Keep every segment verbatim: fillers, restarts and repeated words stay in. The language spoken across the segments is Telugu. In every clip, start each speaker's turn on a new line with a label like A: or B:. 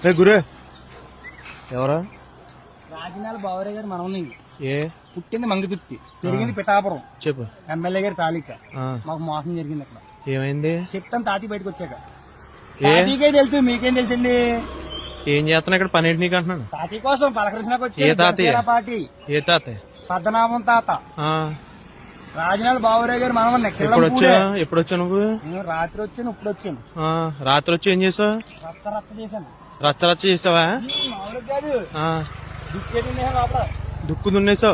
A: రే గురే ఎవరా?
B: రాజనాల బావరే గారు మనం
A: ఏ
B: పుట్టింది మంగతుర్తి, పెరిగింది పిఠాపురం.
A: చెప్పు.
B: ఎమ్మెల్యే గారి తాలిక.
A: ఆ,
B: మాకు మోసం జరిగింది అక్కడ.
A: ఏమైంది?
B: చెప్తాను తాతి బయటకు వచ్చాక.
A: ఏ
B: తాతీకే తెలుసు, మీకేం తెలుసండి?
A: ఏం చేస్తున్నా ఇక్కడ పని ఏంటి నీకు అంటున్నాను.
B: తాతీ కోసం పలకరించినాక
A: ఏ తాతయ్య?
B: వచ్చే పార్టీ
A: ఏ తాతయ్య?
B: పద్మనాభం తాత.
A: ఆ,
B: రాజనాల బావరే గారు మనం
A: ఎప్పుడు వచ్చా ఎప్పుడు వచ్చా నువ్వు?
B: నేను రాత్రి వచ్చాను, ఇప్పుడు వచ్చాను.
A: ఆ, రాత్రి వచ్చి ఏం చేసావు?
B: రచ్చ రచ్చ చేశాను.
A: రచ్చ రచ్చ చేసావా?
B: మామూలు కాదు,
A: ఆ,
B: దుక్కేది లోపల.
A: దుక్కు దున్నేసావు.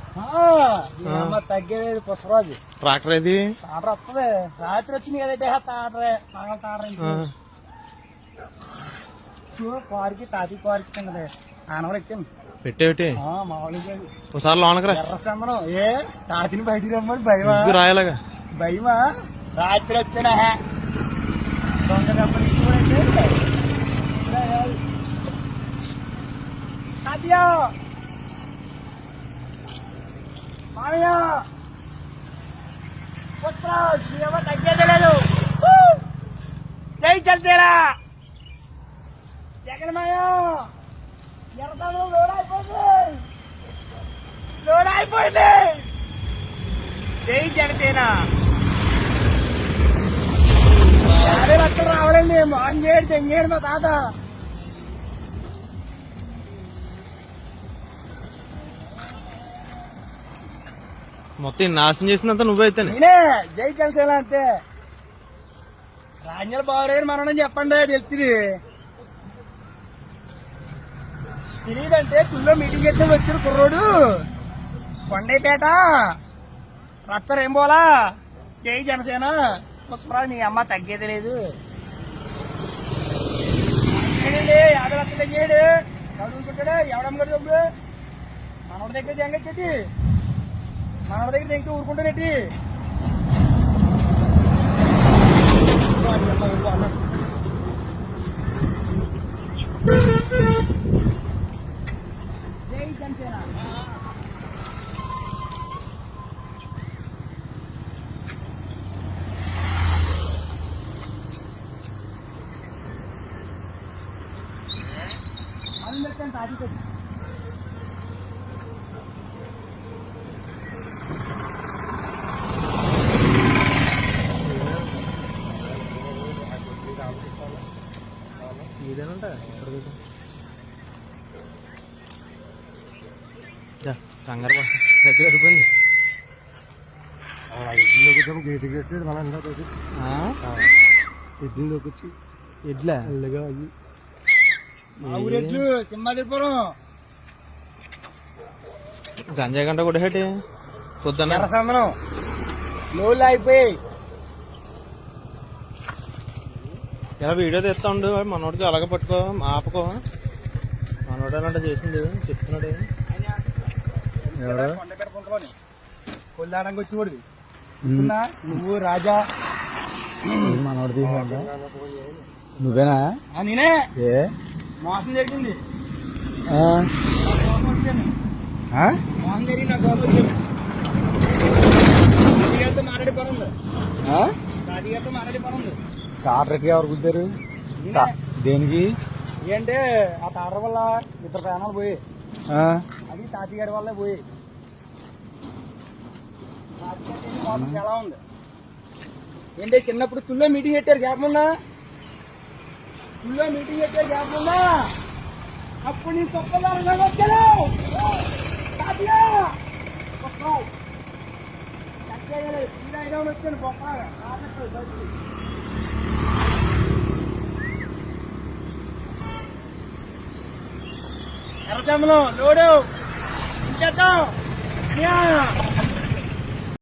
B: తగ్గేది పుష్పరాజు.
A: ట్రాక్టర్ ఏది?
B: తాటర వస్తుంది. రాత్రి వచ్చింది కదంటే తాటరే నాగల తాటర కారుకి తాతి కారుకి చిన్నది ఆనవలు ఎక్కాను.
A: పెట్టేవిటి
B: మామూలుగా
A: ఒకసారి లోనకరా.
B: ఎర్ర సంబరం. ఏ తాతిని బయటికి రమ్మని భయమా?
A: రాయలాగా
B: భయమా? రాత్రి వచ్చాడా దొంగ దెబ్బలు చూడండి. తాతయ్య మామయ్య పుష్పరాజ్ ఏమో తగ్గేదే లేదు. జై చల్తేరా జగన్ మాయ. ఎర్రతను లోడ్ అయిపోయింది, లోడ్ అయిపోయింది. జై జనసేన. యాభై లక్షలు రావడండి. మాంగేడు తెంగేడు మా తాత.
A: మొత్తం నాశనం చేసినంత నువ్వైతే.
B: నేనే జై జనసేన అంతే. రాజ్యాల బావరేరు మనని చెప్పండి, తెలుస్తుంది. తెలియదంటే తుల్లో మీటింగ్ చేస్తే వచ్చిన కుర్రోడు కొండైపేట రచ్చర్ ఏం పోలా. జై జనసేన. పుష్పరాజు నీ అమ్మ తగ్గేది లేదు. యాభై లక్షలు తగ్గేడు చదువుకుంటాడు. ఎవడమ్మగారు డబ్బులు మనోడి దగ్గర జంగచ్చేటి, మనోడి దగ్గర తెంగి ఊరుకుంటానేటి. జై జనసేన. అందరికీ తాటి
A: ఇదేనంట కంగారు దగ్గర అయిపోయింది.
B: గేటు గేటు మన ఎడ్లోకి వచ్చి
A: ఎడ్లా
B: ఎల్లుగా అయ్యి మా ఊరెడ్లు సింహాదిపురం
A: గంజాయి గంట కూడా హేటి పొద్దున్న
B: సందనం లోళ్ళు అయిపోయి.
A: ఇలా వీడియో తీస్తా ఉండు. మనోడికి అలాగే పట్టుకో, ఆపకో. మనోడు అలాంటి చేసింది చెప్తున్నాడు.
B: కొండపేట పుంతలోని కొల్లాడానికి వచ్చి కూడా నువ్వు రాజా మనోడు నువ్వేనా? నేనే. ఏ మోసం జరిగింది, వచ్చాను. మోసం జరిగింది, నాకు కోపం వచ్చాను. రాజుగారితో మాట్లాడి పని ఉంది. రాజుగారితో మాట్లాడి పని ఉంది.
C: తాటరకి ఎవరు కుద్దారు? దేనికి?
B: ఏంటంటే ఆ తాటర వల్ల ఇద్దరు ప్రాణాలు పోయి, అది తాతగారి వల్లే పోయి. ఎలా ఉంది ఏంటి? చిన్నప్పుడు తుల్లో మీటింగ్ పెట్టారు గ్యాప్ ఉన్నా, తుల్లో మీటింగ్ పెట్టారు గ్యాప్ ఉన్నా. అప్పుడు నీ తొక్కదారుగా వచ్చాను. వచ్చాను గొప్ప ఎర్రచందనం లోడు ఇంకేద్దాం.